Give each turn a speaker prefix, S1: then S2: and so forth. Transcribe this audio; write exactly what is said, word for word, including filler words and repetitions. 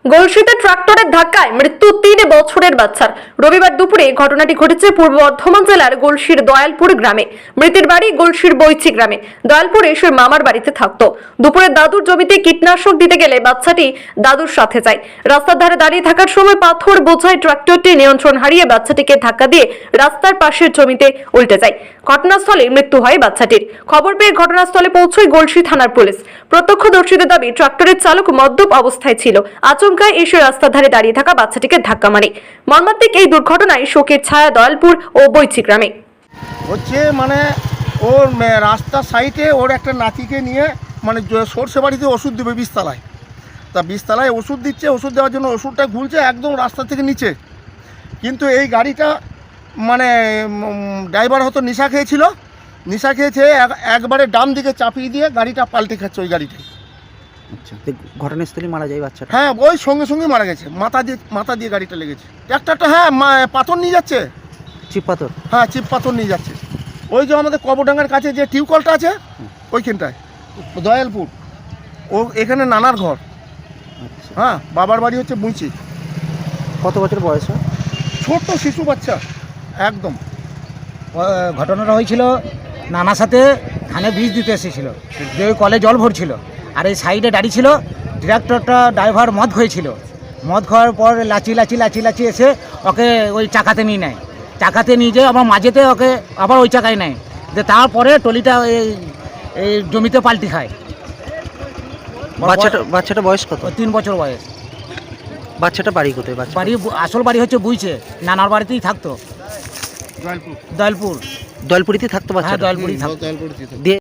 S1: গলসিতে ট্রাক্টরের ধাক্কায় মৃত্যু তিন বছরের বাচ্চার। রবিবার দুপুরে ঘটনাটি ঘটেছে পূর্ব বর্ধমান জেলার গলসির দয়ালপুর গ্রামে। মৃতের বাড়ি গলসির বৈচি গ্রামে। দয়ালপুরে সে মামার বাড়িতে থাকতো। দুপুরে দাদুর জমিতে কীটনাশক দিতে গেলে বাচ্চাটি দাদুর সাথে যায়। রাস্তার ধারে দাঁড়িয়ে থাকার সময় পাথর বোঝাই ট্রাক্টরটি নিয়ন্ত্রণ হারিয়ে বাচ্চাটিকে ধাক্কা দিয়ে রাস্তার পাশের জমিতে উল্টে যায়। ঘটনাস্থলে মৃত্যু হয় বাচ্চাটির। খবর পেয়ে ঘটনাস্থলে পৌঁছয় গলসি থানার পুলিশ। প্রত্যক্ষদর্শীদের দাবি ট্রাক্টরের চালক মদ্যপ অবস্থায় ছিল। আচমকায় এসে রাস্তার ধারে দাঁড়িয়ে থাকা বাচ্চাটিকে ধাক্কা মারে। মর্মান্তিক এই দুর্ঘটনায় শোকের ছায়া দয়ালপুর ও বৈচি গ্রামে।
S2: হচ্ছে মানে ওর রাস্তার সাইডে ওর একটা নাতিকে নিয়ে মানে সর্ষে বাড়িতে ওষুধ দেবে বীজতলায়। তা বীজতলায় ওষুধ দিচ্ছে, ওষুধ দেওয়ার জন্য ওষুধটা ঘুরছে একদম রাস্তা থেকে নিচে। কিন্তু এই গাড়িটা মানে ড্রাইভার হয়তো নেশা খেয়েছিল, নেশা খেয়েছে একবারে ডান দিকে চাপিয়ে দিয়ে গাড়িটা পাল্টে খাচ্ছে ওই গাড়িটাই।
S3: আচ্ছা, ঘটনাস্থলে মারা যায় বাচ্চাটা?
S2: হ্যাঁ, ওই সঙ্গে সঙ্গে মারা গেছে। মাথা দিয়ে মাথা দিয়ে গাড়িটা লেগেছে। ট্রাক্টরটা হ্যাঁ পাথর নিয়ে যাচ্ছে,
S3: চিপ পাথর।
S2: হ্যাঁ চিপ পাথর নিয়ে যাচ্ছে। ওই যে আমাদের কবরডাঙ্গার কাছে যে টিউবকলটা আছে ওইখানটায় দয়ালপুর, ও এখানে নানার ঘর। হ্যাঁ, বাবার বাড়ি হচ্ছে বুঁচি।
S3: কত বছর বয়স?
S2: ছোট্ট শিশু বাচ্চা একদম।
S4: ঘটনাটা হয়েছিল নানার সাথে ধানে বীজ দিতে এসেছিল, যে ওই কলে জল ভরছিল আর এই সাইডে দাঁড়িয়ে ছিল। ট্রাক্টরটা ড্রাইভার মদ খেয়েছিল, মদ খাওয়ার পর লাচি লাচি লাচি লাচি এসে ওকে ওই চাকাতে নিয়ে নেয়। চাকাতে নিয়ে যেয়ে আবার মাঝেতে ওকে আবার ওই চাকায় নেয়, যে তারপরে টলিটা এই এই জমিতে পাল্টি খায়।
S3: বাচ্চাটা বাচ্চাটা বয়স কত?
S4: তিন বছর বয়স।
S3: বাচ্চাটা বাড়ি কোথায়? বাচ্চা
S4: বাড়ি আসল বাড়ি হচ্ছে বুইছে, নানার বাড়িতেই থাকতো।
S2: দয়ালপুর
S4: দয়ালপুর
S3: দয়ালপুরিতে থাকতো
S4: হ্যাঁ
S3: বাচ্চাটা?
S4: দয়ালপুরই থাকতো।
S2: দয়ালপুর
S3: দিয়ে